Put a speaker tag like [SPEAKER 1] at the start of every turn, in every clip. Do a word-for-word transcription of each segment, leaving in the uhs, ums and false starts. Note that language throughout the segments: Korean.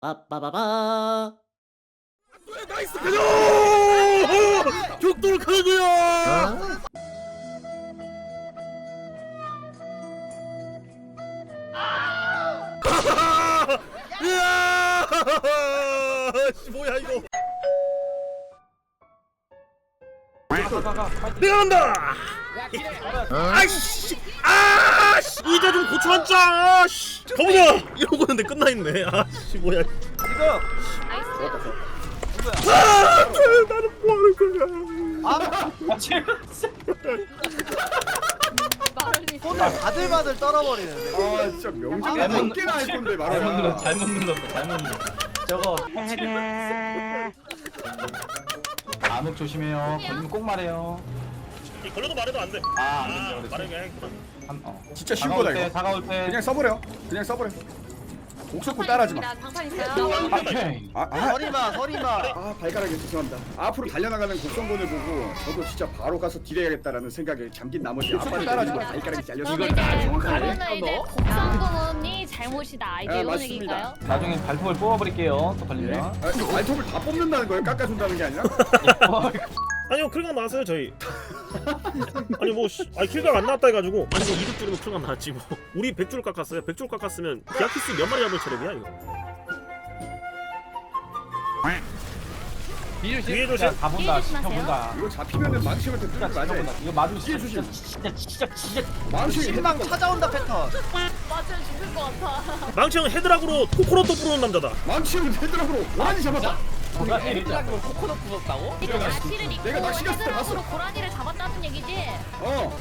[SPEAKER 1] 빠빠바바.
[SPEAKER 2] 나이스 가자! 격돌 가고요. 이야! 뭐야 이거? 내가 간다! 아이씨! 아씨! 의자 좀 고쳐앉자! 아씨! 가보자! 이러고 있는데 끝나있네. 아씨 뭐야?
[SPEAKER 3] 지금
[SPEAKER 2] 아! 나는 뭐하는 거야?
[SPEAKER 3] 손을 바들바들 떨어버리는데.
[SPEAKER 4] 아 진짜 명작에
[SPEAKER 3] 아,
[SPEAKER 4] 몇 개나 할 건데
[SPEAKER 5] 잘못 눌렀어.
[SPEAKER 4] 말아라.
[SPEAKER 5] 잘못 눌렀어. 잘못 눌렀어. 저거 암흑 조심해요. 걸리면 꼭 말해요.
[SPEAKER 2] 이 걸려도 말해도 안 돼.
[SPEAKER 5] 아,
[SPEAKER 2] 아,
[SPEAKER 5] 안 된다
[SPEAKER 2] 말하게 해야겠구나.
[SPEAKER 5] 한, 어.
[SPEAKER 4] 진짜 쉬운
[SPEAKER 5] 다가올
[SPEAKER 4] 거다
[SPEAKER 5] 때,
[SPEAKER 4] 이거.
[SPEAKER 5] 다가올 때.
[SPEAKER 4] 그냥 써버려. 그냥 써버려. 옥석군 따라하지 마.
[SPEAKER 6] 장판 있어요?
[SPEAKER 5] 오케이.
[SPEAKER 4] 아, 아,
[SPEAKER 3] 서리마 서리마.
[SPEAKER 4] 아 발가락이 죄송합니다. 앞으로 달려나가는 곡성군을 보고 저도 진짜 바로 가서 딜해야겠다라는 생각에 잠긴 나머지 아빠를 따라하지 마. 발가락이 잘려서.
[SPEAKER 6] 그럼 이제 그거는 이제 곡성군이 잘못이다 이제
[SPEAKER 4] 아,
[SPEAKER 6] 이런
[SPEAKER 4] 맞습니다.
[SPEAKER 6] 얘기일까요?
[SPEAKER 5] 나중에 발톱을 뽑아버릴게요. 또 걸리면.
[SPEAKER 4] 아, 발톱을 다 뽑는다는 거예요? 깎아준다는 게 아니라?
[SPEAKER 2] 아니요 킬각 나왔어요 저희. 아니 뭐 씨, 아니 킬각 안 나왔다 해가지고 아니 뭐 이득 줄이면 킬각 나왔지 뭐. 우리 백 줄 깎았어요. 백 줄 깎았으면 기아키스 몇 마리 잡을 체력이야 이거. 뒤에 조심.
[SPEAKER 5] 야, 가본다.
[SPEAKER 6] 조심하세요.
[SPEAKER 5] 지켜본다.
[SPEAKER 4] 이거 잡히면은 망치한테 뚫는 거 맞아.
[SPEAKER 5] 지켜본다. 이거 맞으면 진짜,
[SPEAKER 4] 조심.
[SPEAKER 5] 진짜, 진짜, 진짜, 진짜.
[SPEAKER 4] 망치
[SPEAKER 3] 신망 찾아온다 패턴.
[SPEAKER 6] 맞아요 죽을 것 같아
[SPEAKER 2] 망치형 헤드락으로 코코넛도 부르는 남자다.
[SPEAKER 4] 망치는 헤드락으로 고라니 잡았다.
[SPEAKER 5] 뭐가 일이자.
[SPEAKER 6] 코코넛 부었다고? 이거 나시를 입고
[SPEAKER 4] 내가 낚시 갔을 때
[SPEAKER 6] 헤드락으로
[SPEAKER 4] 봤어.
[SPEAKER 6] 고라니를 잡았다는 얘기지?
[SPEAKER 4] 어.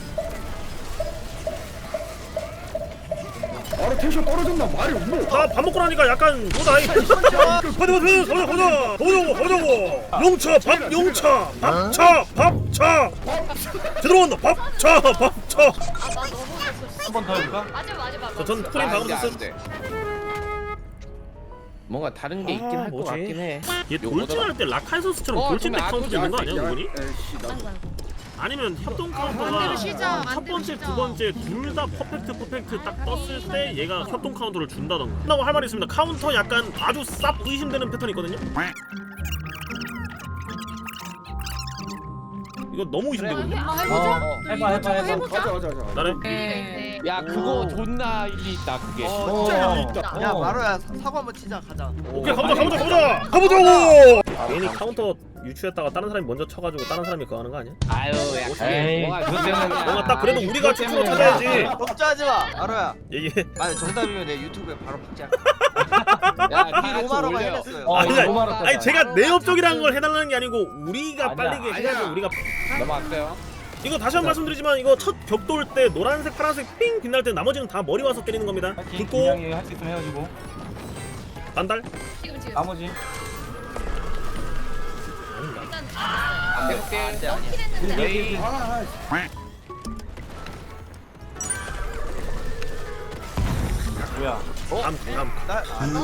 [SPEAKER 4] 바로 텐션 떨어졌나 말이 없노.
[SPEAKER 2] 나 밥 먹고 나니까 약간 뭐다 이. 가자 가자 가자 가자 가자고 가자고. 용차 밥 용차 밥차 밥차. 제대로 간다 밥차 밥차.
[SPEAKER 6] 아나 너무 웃었어
[SPEAKER 5] 한 번 더 해볼까?
[SPEAKER 6] 맞아 맞아 맞아
[SPEAKER 2] 전 쿠린 방금 썼어.
[SPEAKER 7] 뭔가 다른 게 있긴
[SPEAKER 2] 아,
[SPEAKER 7] 할 것
[SPEAKER 2] 뭐지?
[SPEAKER 7] 같긴 해.
[SPEAKER 2] 얘 돌진할 때 라카이소스처럼
[SPEAKER 7] 어,
[SPEAKER 2] 돌진백
[SPEAKER 7] 좀
[SPEAKER 2] 카운트 되는 거 아니야 은근히?
[SPEAKER 4] 에이씨 나.
[SPEAKER 6] 아이고 아이고
[SPEAKER 2] 아니면 협동
[SPEAKER 6] 만들어
[SPEAKER 2] 카운터가
[SPEAKER 6] 쉬자,
[SPEAKER 2] 첫
[SPEAKER 6] 만들어
[SPEAKER 2] 번째
[SPEAKER 6] 쉬자.
[SPEAKER 2] 두 번째 둘 다 퍼펙트 퍼펙트 딱 떴을 때 얘가 협동 카운터를 준다던가. 한다고 할 말이 있습니다. 카운터 약간 아주 쌉 의심되는 패턴이 있거든요. 이거 너무 의심되거든요.
[SPEAKER 6] 한번
[SPEAKER 5] 어,
[SPEAKER 6] 해보자
[SPEAKER 5] 해봐, 해봐, 해봐.
[SPEAKER 6] 해보자
[SPEAKER 4] 가자 가자 가자.
[SPEAKER 2] 나래?
[SPEAKER 6] 네.
[SPEAKER 7] 야 그거 존나 일리 있다 그게.
[SPEAKER 3] 어,
[SPEAKER 4] 진짜 일리 있다.
[SPEAKER 3] 야
[SPEAKER 5] 어.
[SPEAKER 3] 마로야 사과 한번 치자 가자.
[SPEAKER 2] 오케이 가보자 가보자 가보자 가보자고. 괜히 카운터 유추했다가 다른 사람이 먼저 쳐가지고 다른 사람이 그거 하는 거 아니야?
[SPEAKER 7] 아유 야
[SPEAKER 5] 에이,
[SPEAKER 7] 그게 뭐가
[SPEAKER 5] 그것 때문에
[SPEAKER 2] 뭔가 딱 그래도 우리가
[SPEAKER 7] 그것
[SPEAKER 2] 추천을
[SPEAKER 7] 때문에
[SPEAKER 2] 찾아야지.
[SPEAKER 3] 걱정하지 마 마로야.
[SPEAKER 2] 이게
[SPEAKER 3] 만약 정답이면 내 유튜브에 바로 박자.
[SPEAKER 7] 야
[SPEAKER 3] 이
[SPEAKER 7] 같이
[SPEAKER 3] 로마로가
[SPEAKER 7] 올려.
[SPEAKER 3] 해냈어요.
[SPEAKER 5] 어,
[SPEAKER 2] 아니,
[SPEAKER 5] 이거
[SPEAKER 2] 아니,
[SPEAKER 5] 너무 알았다.
[SPEAKER 2] 아니 제가 내업적이라는 걸 해달라는 게 아니고 우리가
[SPEAKER 5] 아니야,
[SPEAKER 2] 빨리게 해야지.
[SPEAKER 4] 아니야.
[SPEAKER 2] 우리가
[SPEAKER 7] 넘어갔어요.
[SPEAKER 2] 이거 다시 한 번 말씀드리지만 이거 첫 격돌 때 노란색 파란색 삥 빛날 때 나머지는 다 머리 와서 때리는 겁니다.
[SPEAKER 5] 파이팅.
[SPEAKER 2] 듣고
[SPEAKER 5] 분명히 할수 있으면 헤어지고.
[SPEAKER 2] 반달.
[SPEAKER 6] 지금 지금
[SPEAKER 5] 나머지.
[SPEAKER 6] 일단
[SPEAKER 7] 안 해볼게.
[SPEAKER 6] 넣긴 했는데
[SPEAKER 7] 예이.
[SPEAKER 4] 아,
[SPEAKER 5] 뭐야?
[SPEAKER 2] 다음 다음.
[SPEAKER 3] 나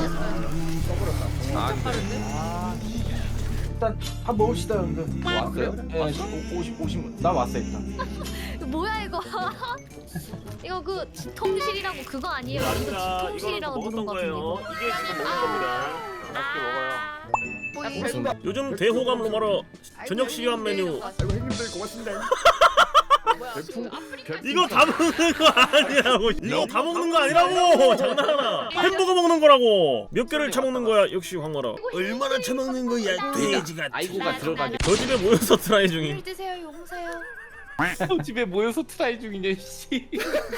[SPEAKER 5] 일단 밥 먹읍시다, 형들.
[SPEAKER 7] 왔어요?
[SPEAKER 5] 예, 오십, 오십. 나 왔어 일단.
[SPEAKER 6] 이거 뭐야 이거 이거 그 지통실이라고 그거 아니에요? 이거
[SPEAKER 2] 아닙니다.
[SPEAKER 6] 지통실이라고
[SPEAKER 2] 이거는
[SPEAKER 6] 누른
[SPEAKER 2] 먹었던
[SPEAKER 6] 거 같은데
[SPEAKER 2] 거예요.
[SPEAKER 6] 이거
[SPEAKER 2] 이게 지금 먹은 겁니다.
[SPEAKER 6] 아
[SPEAKER 7] 무슨
[SPEAKER 2] 요즘 대호감 로마로 저녁 시간 메뉴
[SPEAKER 4] 아이고 형님들 고맙습니다.
[SPEAKER 2] 이거 다 먹는 거 아니라고. 이거 다 먹는 거 아니라고. 장난하나. 햄버거 먹는 거라고. 몇 개를 처먹는 거야 역시 황마라. 얼마나 처먹는 거야 돼지가.
[SPEAKER 7] 아이고가 들어가게.
[SPEAKER 2] 저 집에 모여서 트라이 중인.
[SPEAKER 6] 물 드세요 용사요
[SPEAKER 7] 집에 모여서 트라이 중이네 씨.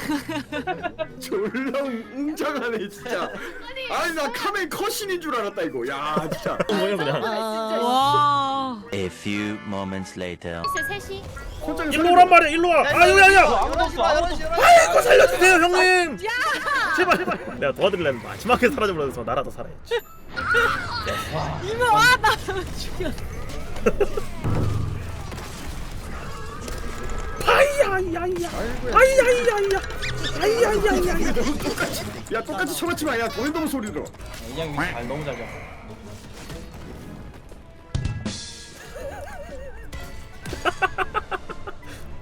[SPEAKER 4] 졸라 웅장하네 진짜. 아니 나 카멘 컷신인 줄 알았다 이거. 야 진짜.
[SPEAKER 2] 뭐야 그냥.
[SPEAKER 6] 와
[SPEAKER 8] A few moments later.
[SPEAKER 6] 셋이
[SPEAKER 4] 혼자
[SPEAKER 2] 일로 오란 말이야 일로 와. 아 여기 아니야.
[SPEAKER 3] 열어주지 마 열어주지 마.
[SPEAKER 2] 아이고 살려주세요 형님. 제발 제발. 내가 도와드리려면 마지막에 사라져버려서 나라도 살아야지.
[SPEAKER 6] 이모 와나 죽여
[SPEAKER 2] 아이야야야. 아이야야야. 아이야야야.
[SPEAKER 4] 똑같이. 야 똑같이 쳐맞지 마. 야 돈이 너무 소리 들어.
[SPEAKER 5] 이양 위치 잘 너무 잘 잡아.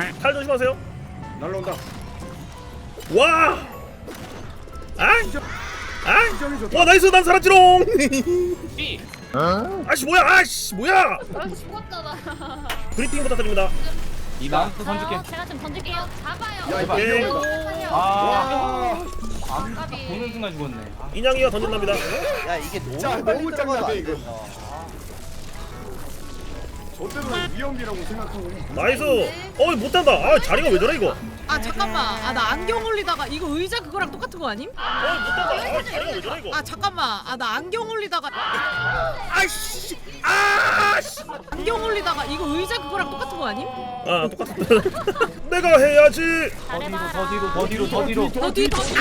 [SPEAKER 2] 칼 조심하세요.
[SPEAKER 4] 날라온다.
[SPEAKER 2] 와! 아!
[SPEAKER 4] 시점이
[SPEAKER 2] 아!
[SPEAKER 4] 좋다.
[SPEAKER 2] 와 나이스 난 살았지롱!
[SPEAKER 7] 삐.
[SPEAKER 2] 아씨 뭐야 아씨 뭐야!
[SPEAKER 6] 아 죽었잖아.
[SPEAKER 2] 브리핑 부탁드립니다.
[SPEAKER 7] 이 나한테 던질게.
[SPEAKER 6] 어, 제가 좀 던질게요. 잡아요.
[SPEAKER 4] 야, 이거
[SPEAKER 2] 오케이.
[SPEAKER 4] 위험하다.
[SPEAKER 7] 아.
[SPEAKER 6] 아,
[SPEAKER 7] 아,
[SPEAKER 6] 까비.
[SPEAKER 7] 보는 순간 죽었네. 아,
[SPEAKER 2] 인양이가 던진답니다.
[SPEAKER 3] 야 이게 너무
[SPEAKER 4] 자,
[SPEAKER 3] 빨리
[SPEAKER 4] 너무
[SPEAKER 3] 들어가도
[SPEAKER 4] 짱나네,
[SPEAKER 3] 안
[SPEAKER 4] 이거.
[SPEAKER 3] 된다.
[SPEAKER 4] 저 때문에 위험이라고 생각하고.
[SPEAKER 2] 나이스. 어이 못한다. 아 자리가 왜 저래 이거?
[SPEAKER 1] 아 잠깐만 아 나 안경 올리다가 이거 의자 그거랑 똑같은 거 아님?
[SPEAKER 2] 어이 못한다. 아 자리가 왜 저래 이거?
[SPEAKER 1] 아 잠깐만 아 나 안경 올리다가
[SPEAKER 2] 아이씨 아씨.
[SPEAKER 1] 안경 올리다가 이거 의자 그거랑 똑같은 거 아님?
[SPEAKER 2] 아 똑같아. 내가 해야지.
[SPEAKER 7] 더 뒤로, 더 뒤로, 더 뒤로, 더 뒤로.
[SPEAKER 1] 더 뒤, 더 뒤.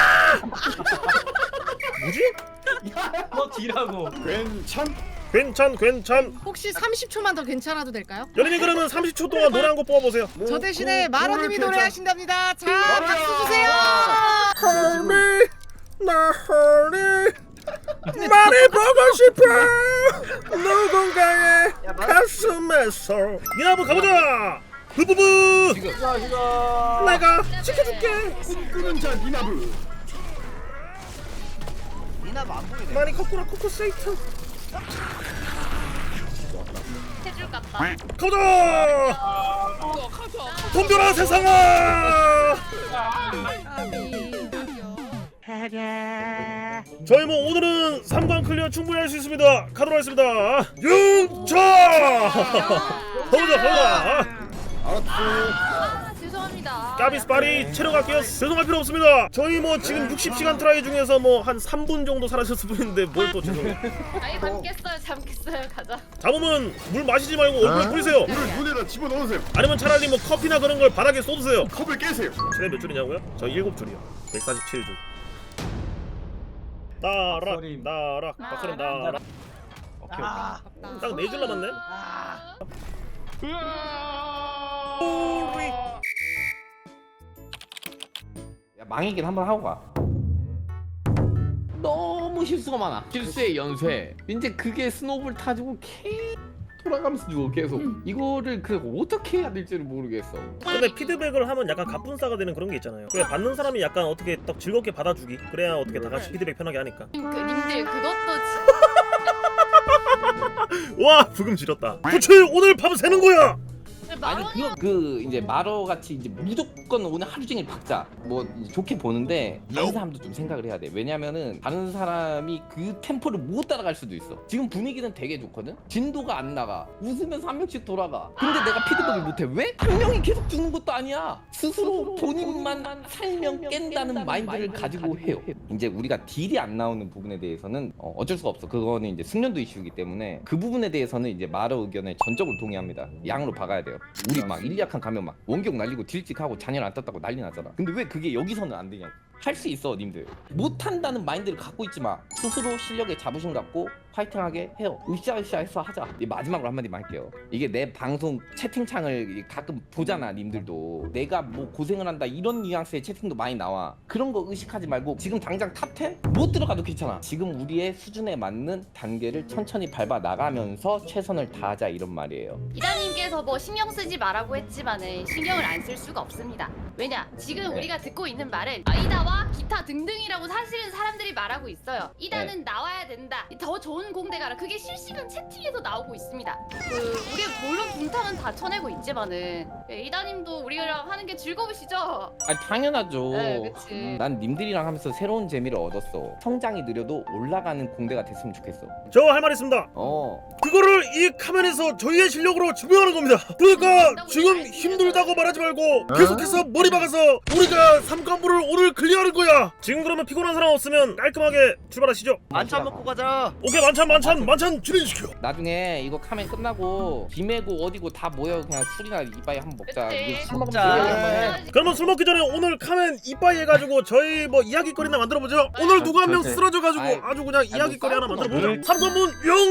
[SPEAKER 2] 뭐지?
[SPEAKER 7] 더 뒤라고.
[SPEAKER 4] 괜찮.
[SPEAKER 2] 괜찮 괜찮.
[SPEAKER 1] 혹시 삼십 초만 더 괜찮아도 될까요?
[SPEAKER 2] 연인이 그러면 삼십 초 동안 노래 한 곡 뽑아보세요.
[SPEAKER 1] 저 대신에
[SPEAKER 4] 뭐,
[SPEAKER 1] 마로님이
[SPEAKER 4] 뭐를
[SPEAKER 1] 노래하신답니다. 자
[SPEAKER 4] 마로야!
[SPEAKER 1] 박수 주세요.
[SPEAKER 2] 헐리 나 헐리 많이 보고 싶어 누군가의
[SPEAKER 3] 야, 마-
[SPEAKER 2] 가슴에서 미나부 가보자. 부부부 내가 지켜줄게.
[SPEAKER 4] 끄는 자 니나브.
[SPEAKER 3] 니나 안 보이네.
[SPEAKER 2] 많이 거꾸로 코코 세이트
[SPEAKER 6] 해줄 같다.
[SPEAKER 2] 가보자. 덤벼라 세상아. 저희 뭐 오늘은 삼 관 클리어 충분히 할 수 있습니다. 가도록 하겠습니다. 융차 가보자 가보자.
[SPEAKER 4] 알았어.
[SPEAKER 6] 아 죄송합니다.
[SPEAKER 2] 까비스파리 체력 아껴 죄송할 필요 없습니다. 저희 뭐 지금 육십 시간 트라이 중에서 뭐 한 삼 분 정도 사라졌을 뿐인데 뭘 또 죄송해요.
[SPEAKER 6] 아니 잠겠어요 잠겠어요 가자.
[SPEAKER 2] 잡으면 물 마시지 말고 얼굴에 뿌리세요.
[SPEAKER 4] 물을 눈에다 집어넣으세요.
[SPEAKER 2] 아니면 차라리 뭐 커피나 그런 걸 바닥에 쏟으세요.
[SPEAKER 4] 컵을 깨세요.
[SPEAKER 2] 최대 몇 줄이냐고요? 저 일곱 줄이요. 백사십칠 줄. 나락
[SPEAKER 7] 박서림.
[SPEAKER 2] 나락 박서림 나락.
[SPEAKER 7] 오케이, 오케이.
[SPEAKER 2] 딱 네 줄 남았네.
[SPEAKER 7] 야, 망이긴 한번 하고 가. 너무 실수가 많아. 실수의 연쇄. 이제 그게 스노우볼 타지고 계속 돌아가면서 죽어 계속. 이거를 그 어떻게 해야 될지를 모르겠어.
[SPEAKER 2] 근데 피드백을 하면 약간 갑분싸가 되는 그런 게 있잖아요. 그래 받는 사람이 약간 어떻게 딱 즐겁게 받아주기. 그래야 어떻게 다 같이 피드백 편하게 하니까.
[SPEAKER 6] 그 님들 그것도
[SPEAKER 2] 와 부금 지렸다. 도대체 오늘 밤 새는 거야.
[SPEAKER 6] 진짜
[SPEAKER 7] 아니
[SPEAKER 6] 마로니
[SPEAKER 7] 그거 그 이제 마러 같이 이제 무조건 오늘 하루 종일 박자 뭐 좋게 보는데 다른 사람도 좀 생각을 해야 돼. 왜냐면은 다른 사람이 그 템포를 못 따라갈 수도 있어. 지금 분위기는 되게 좋거든. 진도가 안 나가. 웃으면서 한 명씩 돌아가. 근데 내가 피드백을 못해. 왜? 한 명이 계속 죽는 것도 아니야. 스스로 본인만 살면 깬다는 마인드를 가지고 해요. 이제 우리가 딜이 안 나오는 부분에 대해서는 어, 어쩔 수가 없어. 그거는 이제 숙련도 이슈이기 때문에 그 부분에 대해서는 이제 마러 의견에 전적으로 동의합니다. 양으로 박아야 돼요. 우리 막 일리약한 가면 막 원격 날리고 딜찍하고 잔열 안 떴다고 난리 나잖아. 근데 왜 그게 여기서는 안 되냐고. 할 수 있어 님들. 못한다는 마인드를 갖고 있지 마. 스스로 실력에 자부심 갖고 파이팅하게 해요. 으쌰으쌰해서 하자. 이 마지막으로 한마디만 할게요. 이게 내 방송 채팅창을 가끔 보잖아 님들도. 내가 뭐 고생을 한다 이런 뉘앙스의 채팅도 많이 나와. 그런 거 의식하지 말고 지금 당장 탑 텐? 못 들어가도 괜찮아. 지금 우리의 수준에 맞는 단계를 천천히 밟아 나가면서 최선을 다하자 이런 말이에요.
[SPEAKER 6] 이다님께서 뭐 신경 쓰지 말라고 했지만은 신경을 안 쓸 수가 없습니다. 왜냐 지금
[SPEAKER 7] 네.
[SPEAKER 6] 우리가 듣고 있는 말은 아이다와 기타 등등이라고 사실은 사람들이 말하고 있어요. 이다는
[SPEAKER 7] 네.
[SPEAKER 6] 나와야 된다. 더 좋은 공대 가라. 그게 실시간 채팅에서 나오고 있습니다. 그 우리가 물론 분탕은 다 쳐내고 있지만은 예, 이다님도 우리랑 하는 게 즐거우시죠?
[SPEAKER 7] 아니 당연하죠.
[SPEAKER 6] 네, 그치.
[SPEAKER 7] 난 님들이랑 하면서 새로운 재미를 얻었어. 성장이 느려도 올라가는 공대가 됐으면 좋겠어.
[SPEAKER 2] 저 할 말 있습니다.
[SPEAKER 7] 어.
[SPEAKER 2] 그거를 이 카멘에서 저희의 실력으로 증명하는 겁니다. 그러니까 지금 힘들다고 말하지 말고 계속해서 머리 박아서 우리가 삼관부를 오늘 클리어하는 거야. 지금 그러면 피곤한 사람 없으면 깔끔하게 출발하시죠.
[SPEAKER 3] 만찬 먹고 가자.
[SPEAKER 2] 오케이 만찬 만찬 만찬 진행시켜.
[SPEAKER 7] 나중에 이거 카멘 끝나고 비매고 어디고 다 모여 그냥 술이나 이빠이 한번 먹자.
[SPEAKER 6] 그치.
[SPEAKER 7] 이거 술 먹으면
[SPEAKER 3] 먹자.
[SPEAKER 7] 얘기 한번 해.
[SPEAKER 2] 그러면 술 먹기 전에 오늘 카멘 이빠이 해가지고 저희 뭐 이야기거리나 만들어보죠. 오늘 누구 한 명
[SPEAKER 7] 그렇지.
[SPEAKER 2] 쓰러져가지고
[SPEAKER 7] 아이,
[SPEAKER 2] 아주 그냥
[SPEAKER 7] 뭐
[SPEAKER 2] 이야기거리 하나
[SPEAKER 7] 싸우고
[SPEAKER 2] 만들어보죠.
[SPEAKER 7] 뭘.
[SPEAKER 2] 삼관문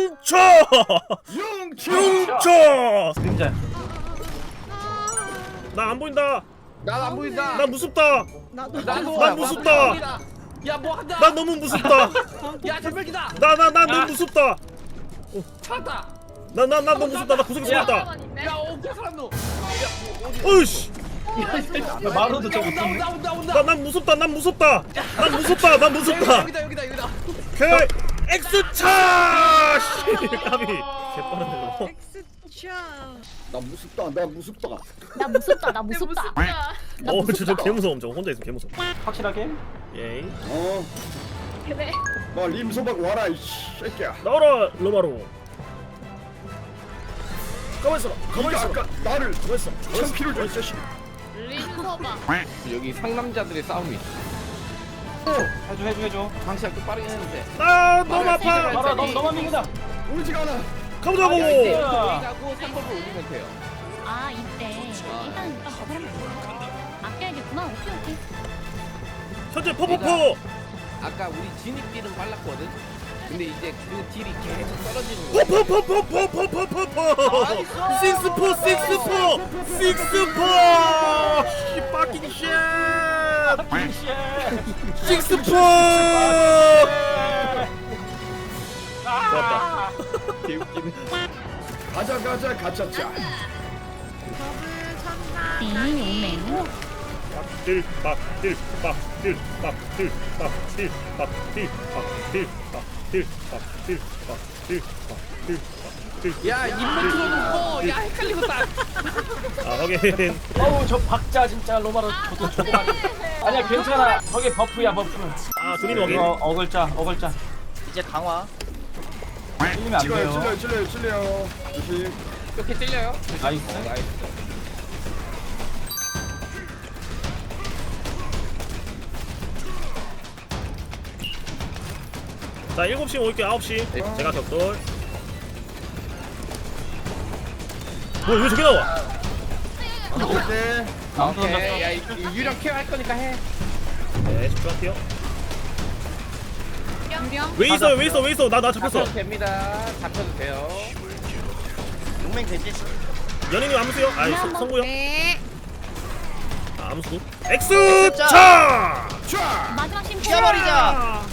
[SPEAKER 2] 영차
[SPEAKER 4] 영차.
[SPEAKER 2] 영차.
[SPEAKER 5] 그림자.
[SPEAKER 2] 나 안 보인다.
[SPEAKER 7] 난안 보인다.
[SPEAKER 2] 나 무섭다.
[SPEAKER 1] 나도
[SPEAKER 7] 나도
[SPEAKER 2] 난 무섭다.
[SPEAKER 7] 야뭐 한다.
[SPEAKER 2] 난 너무 무섭다.
[SPEAKER 7] 야 전멸기다.
[SPEAKER 2] 나 나 나 너무 무섭다.
[SPEAKER 7] 찾았다.
[SPEAKER 2] 나 나 나 너무 무섭다. 나 구석에 숨었다.
[SPEAKER 7] 야어 사람도.
[SPEAKER 2] 어이씨.
[SPEAKER 5] 마루도 저기
[SPEAKER 7] 온다 온다 온다 온다.
[SPEAKER 2] 나 난 무섭다. 난 무섭다. 난 무섭다. 난 무섭다.
[SPEAKER 7] 여기다 여기다 여기다.
[SPEAKER 2] 그 X차. 씨. 까비. 개빠르네 너.
[SPEAKER 1] 엑스차.
[SPEAKER 4] 나 무섭다 나 무섭다.
[SPEAKER 6] 나 무섭다 나 무섭다. 나
[SPEAKER 2] 어, 저 저
[SPEAKER 6] 무섭다.
[SPEAKER 2] 개무서움. 저 혼자 있으면 개무서움.
[SPEAKER 5] 확실하게?
[SPEAKER 2] 예이.
[SPEAKER 4] 어.
[SPEAKER 6] 그래.
[SPEAKER 4] 뭐 림소박 와라 이 새끼야.
[SPEAKER 2] 나와라 로마로. 가만 있어. 가만
[SPEAKER 4] 네가
[SPEAKER 2] 있어.
[SPEAKER 4] 아까 나를
[SPEAKER 2] 가만 있어.
[SPEAKER 4] 천 피를 줬자식
[SPEAKER 6] 림서봐.
[SPEAKER 7] 여기 상남자들의 싸움이 있어.
[SPEAKER 5] 해줘 해줘 해줘.
[SPEAKER 7] 방시가 좀 빠르긴 했는데.
[SPEAKER 2] 아 너무 아파.
[SPEAKER 5] 마루야 너 너만 믿는다.
[SPEAKER 4] 오지가 않아.
[SPEAKER 2] 가보자고.
[SPEAKER 7] 여기 가고 삼 번을 올리면 돼요.
[SPEAKER 6] 아 이때 일단 일단 저거랑 아껴야겠구나. 오케이 오케이.
[SPEAKER 2] 현재 퍼퍼퍼.
[SPEAKER 7] 아까 우리 진입길은 빨랐거든. 근데 이제 그 딜이 계속 떨어지는 거야.
[SPEAKER 2] 퍼퍼퍼퍼퍼퍼퍼퍼. 식스포 식스포 식스포. 씨 파킹 쉣. 식스포. 좋았다.
[SPEAKER 7] 개웃기네.
[SPEAKER 4] 가자 가자 가짜짜.
[SPEAKER 1] 더블 천사.
[SPEAKER 6] 띵
[SPEAKER 2] 딜, 박, 딜, 박, 딜, 박, 딜, 박, 딜, 박, 딜, 박, 딜, 박, 딜, 박, 딜, 박, 딜, 박, 딜, 박, 딜.
[SPEAKER 7] 야 인벤트로 놓고 야 헷갈리겠다.
[SPEAKER 2] 아 확인.
[SPEAKER 5] 어우 저 박자 진짜 로마로 저도 저거 많이. 아니야 괜찮아. 저게 버프야 버프.
[SPEAKER 2] 아 두님 확인.
[SPEAKER 5] 어 어글자 어글자.
[SPEAKER 3] 이제 강화.
[SPEAKER 5] 찔리면 안
[SPEAKER 4] 찔려요
[SPEAKER 5] 돼요.
[SPEAKER 4] 찔려요 찔려요 찔려요. 조심.
[SPEAKER 7] 이렇게 찔려요?
[SPEAKER 5] 나이스.
[SPEAKER 7] 어, 나이스.
[SPEAKER 2] 자 일곱 시 올게 아홉 시. 제가 격돌. 뭐왜 저기 나와?
[SPEAKER 4] 오케이.
[SPEAKER 5] 아무도 던졌어.
[SPEAKER 7] 오케이. 야 이- 이 유령 케어 할 거니까 해.
[SPEAKER 2] 네 집중할게요.
[SPEAKER 1] 유령.
[SPEAKER 2] 왜 있어요 왜 있어 왜 있어 나 나 잡혔어.
[SPEAKER 7] 잡혀도 됩니다. 잡혀도 돼요.
[SPEAKER 3] 용맹 되지?
[SPEAKER 2] 연예인 암수요? 아 성- 성구요?
[SPEAKER 1] 네.
[SPEAKER 2] 아 암수. X차.
[SPEAKER 4] 쫙.
[SPEAKER 6] 마지막 심포.
[SPEAKER 3] 피어버리자.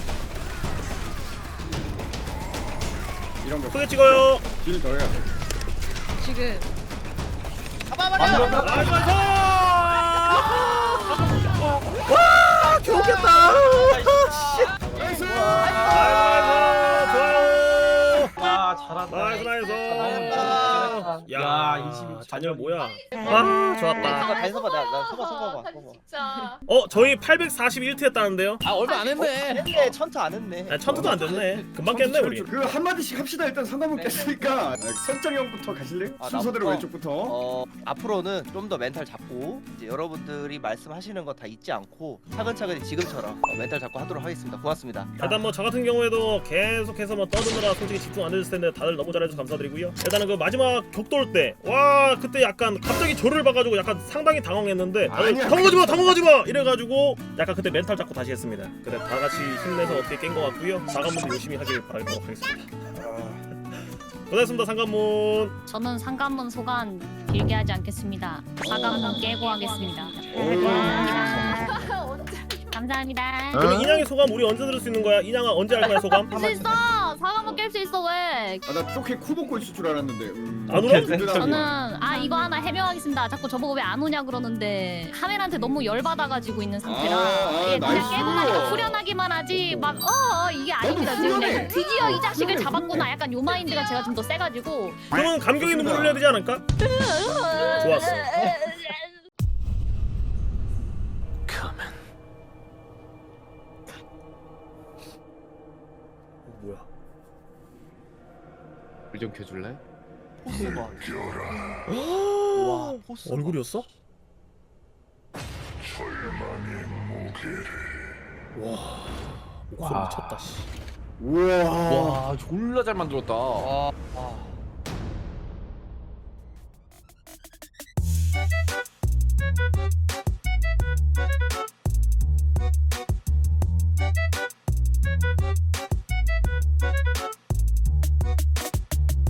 [SPEAKER 4] 이런 거
[SPEAKER 2] 크게 찍어요.
[SPEAKER 4] 딜 더 해야 돼.
[SPEAKER 1] 지금.
[SPEAKER 3] 잡아버려.
[SPEAKER 2] 나이스 나이스. 와 겨우 깼다.
[SPEAKER 4] 나이스.
[SPEAKER 2] 나이스 나이스 좋아요.
[SPEAKER 5] 아 잘한다.
[SPEAKER 2] 나이스 나이스.
[SPEAKER 5] 야
[SPEAKER 2] 야
[SPEAKER 5] 이십이
[SPEAKER 2] 잔열 뭐야? 아 좋았다.
[SPEAKER 3] 다 해서봐. 나, 나 서봐, 서봐, 서봐.
[SPEAKER 6] 진짜.
[SPEAKER 2] 어 저희 팔백사십일 트 했다는데요?
[SPEAKER 7] 아 얼마 안 했네.
[SPEAKER 3] 했네, 천타 안 했네.
[SPEAKER 2] 아 천투도 안 됐네. 금방 깼네 우리.
[SPEAKER 4] 그 한마디씩 합시다. 일단 상담은 깼으니까 설정 형부터 가실래요?
[SPEAKER 3] 아,
[SPEAKER 4] 순서대로
[SPEAKER 3] 나부터?
[SPEAKER 4] 왼쪽부터.
[SPEAKER 3] 어, 앞으로는 좀 더 멘탈 잡고 이제 여러분들이 말씀하시는 거 다 잊지 않고 차근차근 지금처럼 어, 멘탈 잡고 하도록 하겠습니다. 고맙습니다.
[SPEAKER 2] 일단 뭐 저 같은 경우에도 계속해서 뭐 떠드느라 솔직히 집중 안 되실 텐데 다들 너무 잘해줘서 감사드리고요. 일단은 그 마지막 격돌 때 와 그때 약간 갑자기 저를 봐가지고 약간 상당히 당황했는데 다들
[SPEAKER 4] 아니야,
[SPEAKER 2] 당황하지마
[SPEAKER 4] 괜찮아.
[SPEAKER 2] 당황하지마 이래가지고 약간 그때 멘탈 잡고 다시 했습니다. 그래 다 같이 힘내서 어떻게 깬 것 같고요. 사관문도 열심히 하길 바라도록 하겠습니다. 고생했습니다 상관문.
[SPEAKER 6] 저는 상관문 소관 길게 하지 않겠습니다. 사관문 깨고 하겠습니다. 감사합니다.
[SPEAKER 2] 그럼 인양의 소감 우리 언제 들을 수 있는 거야? 인양아 언제 할 거야 소감?
[SPEAKER 6] 깰 수 있어. 사관문 깰 수 있어 왜?
[SPEAKER 4] 아나 쪼케 코 먹고 있을 줄 알았는데. 음.
[SPEAKER 2] 안 오나?
[SPEAKER 4] 든든하구나.
[SPEAKER 6] 저는 아 이거 하나 해명하겠습니다. 자꾸 저보고 왜 안 오냐 그러는데 카메라한테 너무 열받아가지고 있는 상태라
[SPEAKER 4] 아, 아,
[SPEAKER 6] 예, 그냥
[SPEAKER 4] 나이스.
[SPEAKER 6] 깨고 나니까 후련하기만 하지 막 어 이게 아닙니다. 지금
[SPEAKER 4] 후련해.
[SPEAKER 6] 내가 드디어 이 자식을 잡았구나. 약간 요 마인드가 제가 좀 더 세가지고
[SPEAKER 2] 그러면 감격의 눈물 흘려야 되지 않을까? 좋았어. 뭐야?
[SPEAKER 7] 물 좀 켜줄래?
[SPEAKER 3] 포스 봐. 와, 포스.
[SPEAKER 2] 얼굴이었어? 와 목소리
[SPEAKER 5] 와.
[SPEAKER 2] 미쳤다 씨.
[SPEAKER 4] 우와.
[SPEAKER 7] 와 졸라 잘 만들었다.
[SPEAKER 3] 아, 아.